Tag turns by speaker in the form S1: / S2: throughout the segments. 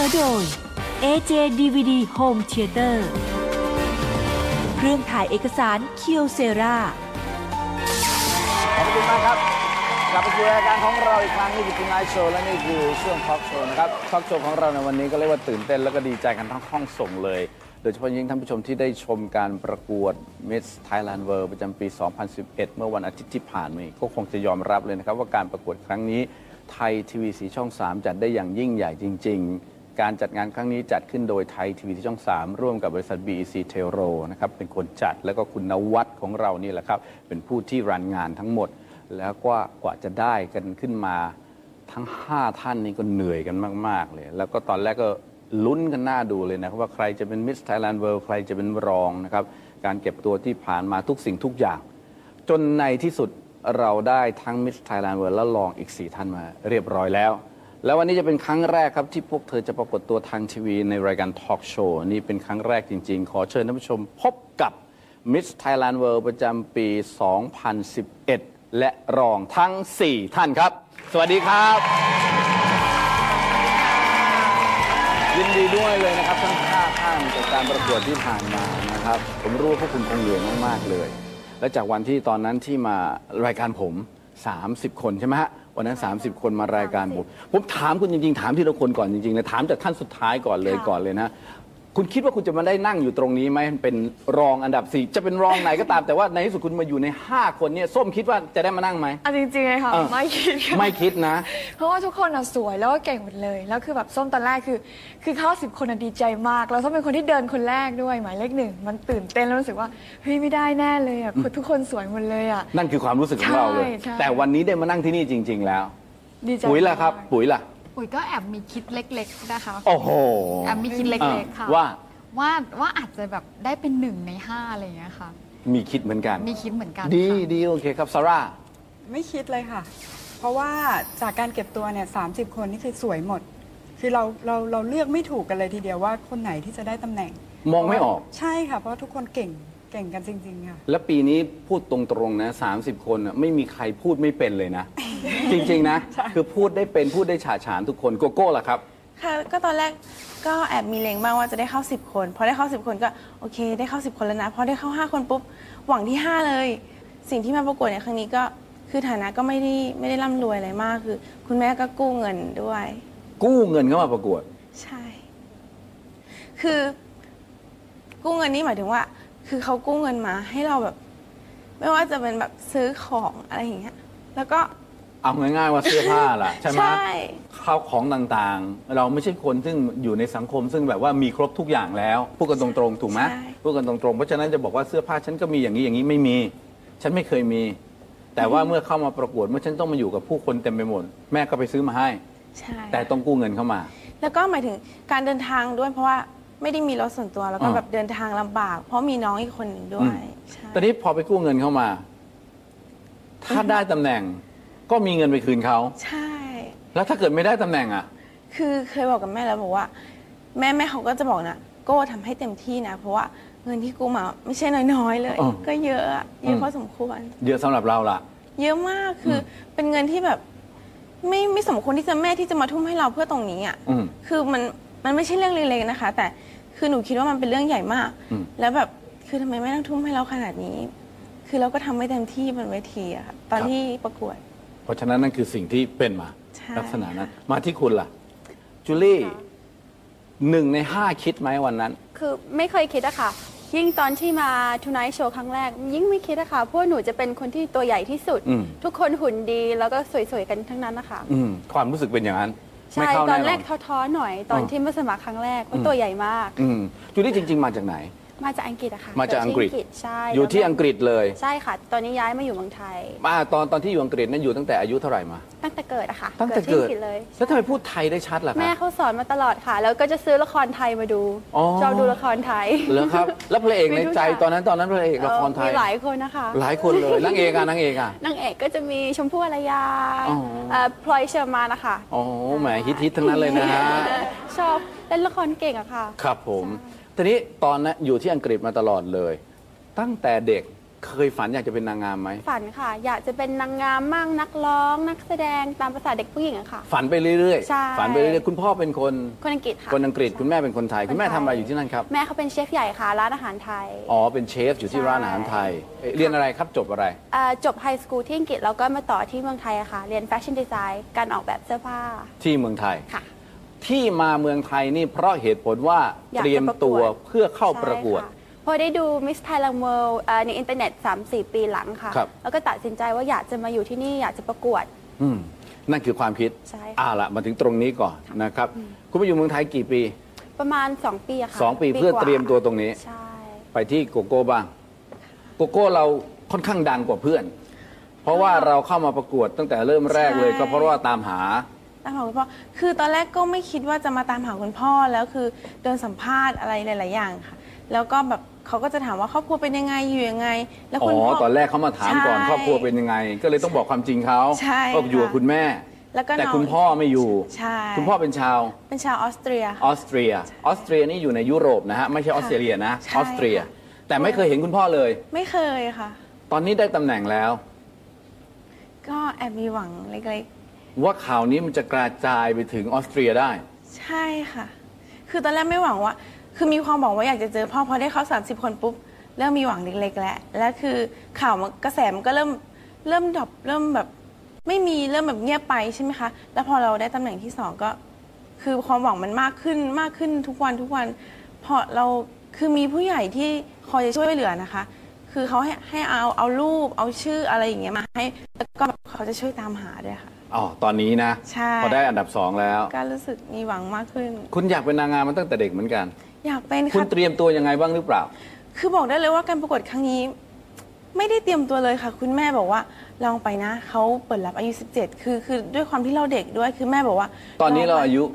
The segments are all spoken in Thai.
S1: อโดย AJ DVD Home Theater เครื่องถ่ายเอกสารเคียวเซรา
S2: ขอบคุณมากครับกลับมาสู่รายการของเราอีกครั้งนี่คือ Tonight Show และนี่คือช่วง Talk Show นะครับ Talk Show ของเราในวันนี้ก็เรียกว่าตื่นเต้นแล้วก็ดีใจกันทั้งห้องส่งเลยโดยเฉพาะยิ่งท่านผู้ชมที่ได้ชมการประกวด Miss Thailand World ประจำปี 2011 เมื่อวันอาทิตย์ที่ผ่านมาก็คงจะยอมรับเลยนะครับว่าการประกวดครั้งนี้ไทยทีวีสีช่อง 3 จัดได้อย่างยิ่งใหญ่จริงๆการจัดงานครั้งนี้จัดขึ้นโดยไทยทีวีสีช่อง 3 ร่วมกับบริษัท BEC Telro นะครับเป็นคนจัดแล้วก็คุณนวัฒน์ของเรานี่แหละครับเป็นผู้ที่รันงานทั้งหมดแล้วก็กว่าจะได้กันขึ้นมาทั้ง5ท่านนี้ก็เหนื่อยกันมากๆเลยแล้วก็ตอนแรกก็ลุ้นกันหน้าดูเลยนะครับว่าใครจะเป็น Miss Thailand World ใครจะเป็นรองนะครับการเก็บตัวที่ผ่านมาทุกสิ่งทุกอย่างจนในที่สุดเราได้ทั้ง Miss Thailand World และรองอีก4ท่านมาเรียบร้อยแล้วแล้ววันนี้จะเป็นครั้งแรกครับที่พวกเธอจะปรากฏตัวทางทีวีในรายการ Talk Show นี่เป็นครั้งแรกจริงๆขอเชิญท่านผู้ชมพบกับ Miss Thailand World ประจำปี 2011 และรองทั้ง4ท่านครับสวัสดีครับยินดีด้วยเลยนะครับทั้ง5ท่านจากการประกวดที่ผ่านมานะครับผมรู้ว่าพวกคุณคงเหนื่อยมากๆเลยและจากวันที่ตอนนั้นที่มารายการผม30 คนใช่ไหมฮะวันนั้น30 คนมารายการผมถามคุณจริงๆถามที่ละคนก่อนจริงๆเลยถามจากท่านสุดท้ายก่อนเลยนะคุณคิดว่าคุณจะมาได้นั่งอยู่ตรงนี้ไหมเป็นรองอันดับ4จะเป็นรองไหนก็ตามแต่ว่าในที่สุดคุณมาอยู่ใน5คนเนี่ยส้มคิดว่าจะได้มานั่งไหม
S3: จริงๆเลยค่ะไม่
S2: คิดนะ
S3: เพราะว่าทุกคนสวยแล้วก็เก่งหมดเลยแล้วคือแบบส้มตอนแรกคือเข้า10 คนดีใจมากแล้วส้มเป็นคนที่เดินคนแรกด้วยหมายเลข1มันตื่นเต้นแล้วรู้สึกว่าเฮ้ยไม่ได้แน่เลยอ่ะทุกคนสวยหมดเลยอ่ะ
S2: นั่นคือความรู้สึกของเราเลยแต่วันนี้ได้มานั่งที่นี่จริงๆแล้วปุ๋ยล่ะครับปุ๋ย
S4: ก็แอบมีคิดเล็กๆนะคะ
S2: โอ้โห
S4: แอบมีคิดเล็กๆค่ะว่าอาจจะแบบได้เป็น1 ใน 5อะไรอย่างเงี้ยค่ะ
S2: มีคิดเหมือนกัน
S4: มีคิดเหมือนกัน
S2: ดีโอเคครับซาร่า
S5: ไม่คิดเลยค่ะเพราะว่าจากการเก็บตัวเนี่ย30 คนนี่คือสวยหมดคือเราเลือกไม่ถูกกันเลยทีเดียวว่าคนไหนที่จะได้ตำแหน่ง
S2: มองไม่ออก
S5: ใช่ค่ะเพราะทุกคนเก่งกันจริงๆค่ะ
S2: แล้วปีนี้พูดตรงๆนะ30 คนไม่มีใครพูดไม่เป็นเลยนะ จริงๆนะคือพูดได้เป็นพูดได้ฉาฉานทุกคนโกโก้ล่ะครับ
S6: ค่ะก็ตอนแรกก็แอบมีเลงบ้างว่าจะได้เข้า10 คนพอได้เข้า10 คนก็โอเคได้เข้า10 คนแล้วนะพอได้เข้า5 คนปุ๊บหวังที่5เลยสิ่งที่มาประกวดในครั้งนี้ก็คือฐานะก็ไม่ได้ร่ำรวยอะไรมากคือคุณแม่ก็กู้เงินด้วย
S2: กู้เงินเข้ามาประกวด
S6: ใช่คือกู้เงินนี่หมายถึงว่าคือเขากู้เงินมาให้เราแบบไม่ว่าจะเป็นแบบซื้อของอะไรอย่างเงี้ยแล้วก็
S2: เอาง่ายๆว่าเสื้อผ้าล่ะใช่ไหมข้าวของต่างๆเราไม่ใช่คนซึ่งอยู่ในสังคมซึ่งแบบว่ามีครบทุกอย่างแล้วพูดกันตรงๆถูกไหมพูดกันตรงๆเพราะฉะนั้นจะบอกว่าเสื้อผ้าฉันก็มีอย่างนี้ไม่มีฉันไม่เคยมีแต่ว่าเมื่อเข้ามาประกวดเมื่อฉันต้องมาอยู่กับผู้คนเต็มไปหมดแม่ก็ไปซื้อมาให้แต่ต้องกู้เงินเข้ามา
S6: แล้วก็หมายถึงการเดินทางด้วยเพราะว่าไม่ได้มีรถส่วนตัวแล้วก็แบบเดินทางลำบากเพราะมีน้องอีกคนหนึ่งด้วย
S2: ตอนนี้พอไปกู้เงินเข้ามาถ้าได้ตำแหน่งก็มีเงินไปคืนเขา
S6: ใช่
S2: แล้วถ้าเกิดไม่ได้ตำแหน่งอ่ะ
S6: คือเคยบอกกับแม่แล้วบอกว่าแม่เขาก็จะบอกนะโก้ทำให้เต็มที่นะเพราะว่าเงินที่กู้มาไม่ใช่น้อยๆเลยก็เยอะพอสมควร
S2: เยอะสำหรับเราล่ะ
S6: เยอะมากคือเป็นเงินที่แบบไม่สมควรที่จะแม่ที่จะมาทุ่มให้เราเพื่อตรงนี้อ่ะคือมันไม่ใช่เรื่องเล็กๆนะคะแต่คือหนูคิดว่ามันเป็นเรื่องใหญ่มากแล้วแบบคือทำไมแม่ต้องทุ่มให้เราขนาดนี้คือเราก็ทำไม่เต็มที่บนเวทีอะค่ะตอนที่ประกวด
S2: เพราะฉะนั้นนั่นคือสิ่งที่เป็นมาลักษณะนั้นมาที่คุณล่ะจูลี่1 ใน 5คิดไหมวันนั้น
S4: คือไม่เคยคิดอะค่ะยิ่งตอนที่มา Tonight Show ครั้งแรกยิ่งไม่คิดอะค่ะเพราะหนูจะเป็นคนที่ตัวใหญ่ที่สุดทุกคนหุ่นดีแล้วก็สวยๆกันทั้งนั้นนะคะ
S2: ความรู้สึกเป็นอย่างนั้น
S4: ใช่ตอนแรกท้อๆหน่อยตอนที่มาสมัครครั้งแรกว่าตัวใหญ่มาก
S2: จูลี่จริงๆมาจากไหน
S4: มาจากอังกฤษอะค่ะ
S2: มาจากอังกฤษ
S4: ใช่
S2: อยู่ที่อังกฤษเลย
S4: ใช่ค่ะตอนนี้ย้ายมาอยู่เมืองไทย
S2: ตอนที่อยู่อังกฤษนั้นอยู่ตั้งแต่อายุเท่าไหร่มา
S4: ตั้งแต่เกิดอะค่ะ
S2: ตั้งแต่เกิด
S4: เลย
S2: แล้วทำไมพูดไทยได้ชัดล่ะ
S4: แม่เขาสอนมาตลอดค่ะแล้วก็จะซื้อละครไทยมาดูชอบดูละครไทย
S2: เหรอครับแล้วพระเอกในใจตอนนั้นพระเอกละครไทย
S4: มีหลายคนนะคะ
S2: หลายคนเลยนางเอกนางเอก
S4: ก็จะมีชมพู่อารยาพลอยเชอร์มานนะคะ
S2: อ๋อแหมฮิตทั้งนั้นเลยนะฮะ
S4: ชอบเล่นละครเก่งอะค่ะ
S2: ครับผมทีนี้ตอนนั้นอยู่ที่อังกฤษมาตลอดเลยตั้งแต่เด็กเคยฝันอยากจะเป็นนางงามไหม
S4: ฝันค่ะอยากจะเป็นนางงามมั่งนักร้องนักแสดงตามภาษาเด็กผู้หญิงอะค่ะ
S2: ฝันไปเรื่อย
S4: ใช่
S2: ๆฝันไปเรื่อยๆคุณพ่อเป็นคน
S4: อังกฤษค่ะ
S2: คนอังกฤษคุณแม่เป็นคนไทยคุณแม่ทำอะไรอยู่ที่นั่นครับ
S4: แม่เขาเป็นเชฟใหญ่ค่ะร้านอาหารไทย
S2: อ๋อเป็นเชฟอยู่ที่ร้านอาหารไทยเรียนอะไรครับจบอะไร
S4: จบไฮสคูลที่อังกฤษแล้วก็มาต่อที่เมืองไทยอะค่ะเรียนแฟชั่นดีไซน์การออกแบบเสื้อผ้า
S2: ที่เมืองไทย
S4: ค่ะ
S2: ที่มาเมืองไทยนี่เพราะเหตุผลว่าเตรียมตัวเพื่อเข้าประกวด
S4: พอได้ดู Miss Thailand World ในอินเทอร์เน็ต 3-4 ปีหลังค่ะแล้วก็ตัดสินใจว่าอยากจะมาอยู่ที่นี่อยากจะประกวด
S2: นั่นคือความคิด
S4: ใช่
S2: ละมาถึงตรงนี้ก่อนนะครับคุณไปอยู่เมืองไทยกี่ปี
S4: ประมาณ2 ปีค่ะ
S2: 2 ปีเพื่อเตรียมตัวตรงนี้
S4: ใช่
S2: ไปที่โกโก้บ้างโกโก้เราค่อนข้างดังกว่าเพื่อนเพราะว่าเราเข้ามาประกวดตั้งแต่เริ่มแรกเลยก็เพราะว่าตามหา
S6: คุณพ่อคือตอนแรกก็ไม่คิดว่าจะมาตามหาคุณพ่อแล้วคือเดินสัมภาษณ์อะไรหลายๆอย่างค่ะแล้วก็แบบเขาก็จะถามว่าครอบครัวเป็นยังไงอยู่ยังไงแล้วคุณพ่อ
S2: ตอนแรกเขามาถามก่อนครอบครัวเป็นยังไงก็เลยต้องบอกความจริงเขาก็อยู่กับคุณแม่แต่คุณพ่อไม่อยู่คุณพ่อเป็นชาว
S6: ออสเตรีย
S2: นี่อยู่ในยุโรปนะฮะไม่ใช่ออสเตรเลียนะออสเตรียแต่ไม่เคยเห็นคุณพ่อเลย
S6: ไม่เคยค่ะ
S2: ตอนนี้ได้ตำแหน่งแล้ว
S6: ก็แอบมีหวังเล็ก
S2: ว่าข่าวนี้มันจะกระจายไปถึงออสเตรียได้
S6: ใช่ค่ะคือตอนแรกไม่หวังว่าคือมีความหวังว่าอยากจะเจอพ่อพอได้เข้า30 คนปุ๊บเริ่มมีหวังเล็กๆแล้วและคือข่าวกระแสมันก็เริ่มดรอปเริ่มแบบไม่มีเริ่มแบบเงียบไปใช่ไหมคะแล้วพอเราได้ตำแหน่งที่2ก็คือความหวังมันมากขึ้นทุกวันพอเราคือมีผู้ใหญ่ที่คอยจะช่วยเหลือนะคะคือเขาให้เอารูปเอาชื่ออะไรอย่างเงี้ยมาให้แล้วก็เขาจะช่วยตามหาด้วยค่ะ
S2: ตอนนี้นะพอได้อันดับ2แล้ว
S6: ก็รู้สึกมีหวังมากขึ้น
S2: คุณอยากเป็นนางงามมาตั้งแต่เด็กเหมือนกัน
S6: อยากเป็น
S2: คุณเตรียมตัวยังไงบ้างหรือเปล่า
S6: คือบอกได้เลยว่าการประกวดครั้งนี้ไม่ได้เตรียมตัวเลยค่ะคุณแม่บอกว่าลองไปนะเขาเปิดรับอายุ17คือด้วยความที่เราเด็กด้วยคือแม่บอกว่า
S2: ตอนนี้เราอายุ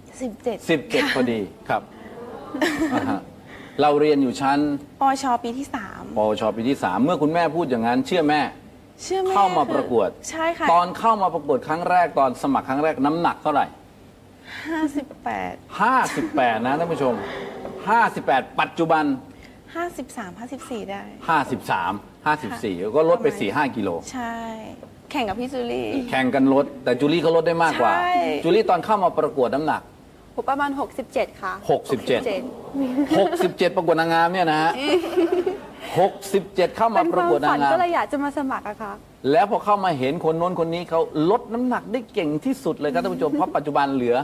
S6: 17
S2: พอดีครับเราเรียนอยู่ชั้น
S6: ปชปีที่3
S2: เมื่อคุณแม่พูดอย่างนั้นเชื่อแม่เข้ามาประกวด
S6: ใช่ค่ะ
S2: ตอนเข้ามาประกวดครั้งแรกตอนสมัครครั้งแรกน้ำหนักเท่าไหร่58นะท่านผู้ชม58ปัจจุบัน
S6: 54ได้
S2: 54ก็ลดไป 4-5 กิโล
S6: ใช่แข่งกับพี่จูลี่
S2: แข่งกันลดแต่จูลี่เขาลดได้มากกว่าจูลี่ตอนเข้ามาประกวดน้ำหนัก
S4: ประมาณ67ค่ะ
S2: 67ประกวดนางงามเนี่ยนะฮะ67เข้ามาประกวดนางงาม
S4: ก็เลยอยากจะมาสมัครอะค่ะ
S2: แล้วพอเข้ามาเห็นคนโน้นคนนี้เขาลดน้ำหนักได้เก่งที่สุดเลยครับท่านผู้ชมเพราะปัจจุบันเหลือ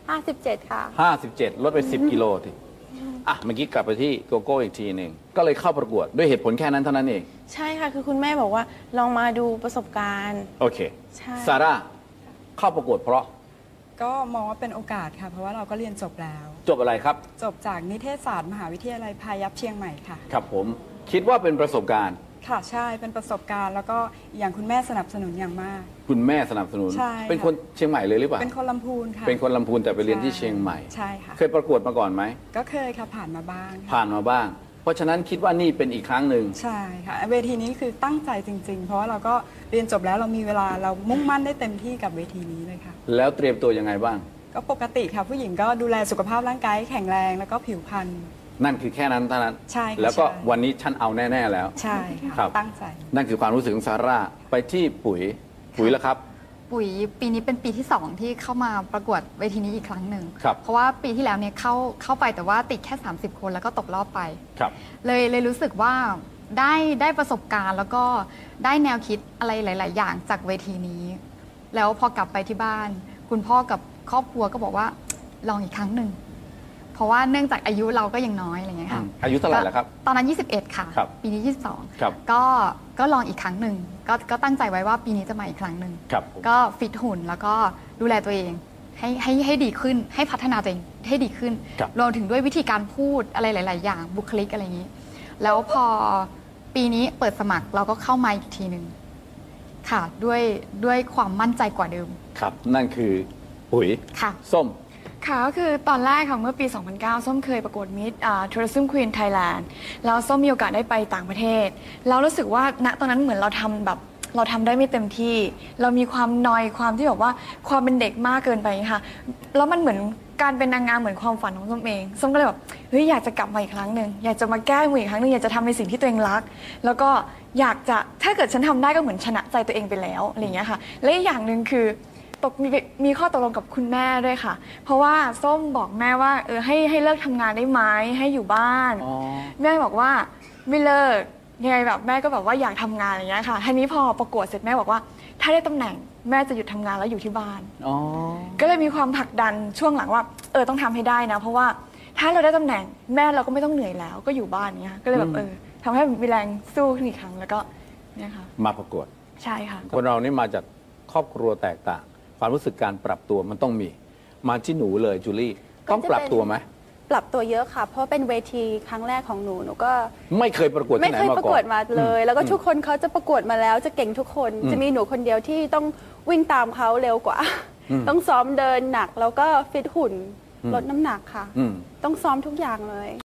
S4: 57ค่ะ
S2: 57ลดไป10 กิโลทีเมื่อกี้กลับไปที่โกโก้อีกทีหนึ่งก็เลยเข้าประกวดด้วยเหตุผลแค่นั้นเท่านั้นเอง
S6: ใช่ค่ะคือคุณแม่บอกว่าลองมาดูประสบการณ์
S2: โอเคซาร่าเข้าประกวดเพราะ
S5: ก็มองว่าเป็นโอกาสค่ะเพราะว่าเราก็เรียนจบแล้ว
S2: จบอะไรครับ
S5: จบจากนิเทศศาสตร์มหาวิทยาลัยพายัพเชียงใหม่ค่ะ
S2: ครับผมคิดว่าเป็นประสบการณ์
S5: ค่ะใช่เป็นประสบการณ์แล้วก็อย่างคุณแม่สนับสนุนอย่างมาก
S2: คุณแม่สนับสนุนเป็นคนเชียงใหม่เลยหรือเปล่า
S5: เป็นคนลำพูนค่ะ
S2: เป็นคนลำพูนแต่ไปเรียนที่เชียงใหม่
S5: ใช่ค่ะ
S2: เคยประกวดมาก่อนไหม
S5: ก็เคยค่ะผ่านมาบ้าง
S2: เพราะฉะนั้นคิดว่านี่เป็นอีกครั้งหนึ่ง
S5: ใช่ค่ะเวทีนี้คือตั้งใจจริงๆเพราะว่าเราก็เรียนจบแล้วเรามีเวลาเรามุ่งมั่นได้เต็มที่กับเวทีนี้เลยค่ะ
S2: แล้วเตรียมตัวยังไงบ้าง
S5: ก็ปกติค่ะผู้หญิงก็ดูแลสุขภาพร่างกายแข็งแรงแล้วก็ผิวพรรณ
S2: นั่นคือแค่นั้นเท่านั้น
S5: ใช่
S2: แล้วก็วันนี้ฉันเอาแน่ๆแล้ว
S5: ใช่ค่ะตั้งใจ
S2: นั่นคือความรู้สึกของซาร่าไปที่ปุ๋ยแล้วครับ
S7: ปุ๋ยปีนี้เป็นปีที่2ที่เข้ามาประกวดเวทีนี้อีกครั้งหนึ่งเพราะว่าปีที่แล้วเนี่ยเข้าไปแต่ว่าติดแค่30 คนแล้วก็ตกรอบไปเลยรู้สึกว่าได้ประสบการณ์แล้วก็ได้แนวคิดอะไรหลายๆอย่างจากเวทีนี้แล้วพอกลับไปที่บ้านคุณพ่อกับครอบครัวก็บอกว่าลองอีกครั้งหนึ่งเพราะว่าเนื่องจากอายุเราก็ยังน้อยอะไรเงี้ยค่ะ
S2: อายุเท่าไหร่แล้วครับ
S7: ตอนนั้น21ค่ะปีนี้22ก็ลองอีกครั้งหนึ่งก็ตั้งใจไว้ว่าปีนี้จะมาอีกครั้งหนึ่งก็ฟิตหุ่นแล้วก็ดูแลตัวเองให้ดีขึ้นให้พัฒนาตัวเองให้ดีขึ้นรวมถึงด้วยวิธีการพูดอะไรหลายๆอย่างบุคลิกอะไรอย่างนี้แล้วพอปีนี้เปิดสมัครเราก็เข้ามาอีกทีหนึ่งค่ะด้วยความมั่นใจกว่าเดิม
S2: ครับนั่นคือปุ๋ย
S7: ค่ะ
S2: ส้ม
S3: ค่ะก็คือตอนแรกค่ะเมื่อปี 2009 ส้มเคยประกวด Miss Tourism Queen Thailand แล้วส้มมีโอกาสได้ไปต่างประเทศแล้วรู้สึกว่าณตอนนั้นเหมือนเราทำได้ไม่เต็มที่เรามีความนอยความที่แบบว่าความเป็นเด็กมากเกินไปค่ะแล้วมันเหมือนการเป็นนางงามเหมือนความฝันของส้มเองส้มก็เลยแบบเฮ้ยอยากจะกลับมาอีกครั้งหนึ่งอยากจะมาแก้มืออีกครั้งหนึ่งอยากจะทำในสิ่งที่ตัวเองรักแล้วก็อยากจะถ้าเกิดฉันทำได้ก็เหมือนชนะใจตัวเองไปแล้วอะไรอย่างเงี้ยค่ะและอีกอย่างหนึ่งคือมีข้อตกลงกับคุณแม่ด้วยค่ะเพราะว่าส้มบอกแม่ว่าให้เลิกทำงานได้ไหมให้อยู่บ้านแม่บอกว่าไม่เลิกยังไงแบบแม่ก็แบบว่าอยากทำงานอย่างเงี้ยค่ะทีนี้พอประกวดเสร็จแม่บอกว่าถ้าได้ตำแหน่งแม่จะหยุดทำงานแล้วอยู่ที่บ้านก็เลยมีความผลักดันช่วงหลังว่าต้องทำให้ได้นะเพราะว่าถ้าเราได้ตำแหน่งแม่เราก็ไม่ต้องเหนื่อยแล้วก็อยู่บ้านเนี้ยก็เลยแบบทำให้มีแรงสู้ขึ้นอีกครั้งแล้วก็เนี่ยค่ะ
S2: มาประกวด
S3: ใช่ค่ะ
S2: คนเรานี่มาจากครอบครัวแตกต่างความรู้สึกการปรับตัวมันต้องมีมาที่หนูเลยจูลี่ต้องปรับตัวไหม
S4: ปรับตัวเยอะค่ะเพราะเป็นเวทีครั้งแรกของหนูก็
S2: ไม่เคยประกวดที่ไหนมาก่อน
S4: ไม่เคยประกวดมาเลยแล้วก็ทุกคนเขาจะประกวดมาแล้วจะเก่งทุกคนจะมีหนูคนเดียวที่ต้องวิ่งตามเขาเร็วกว่าต้องซ้อมเดินหนักแล้วก็ฟิตหุ่นลดน้ำหนักค่ะต้องซ้อมทุกอย่างเลย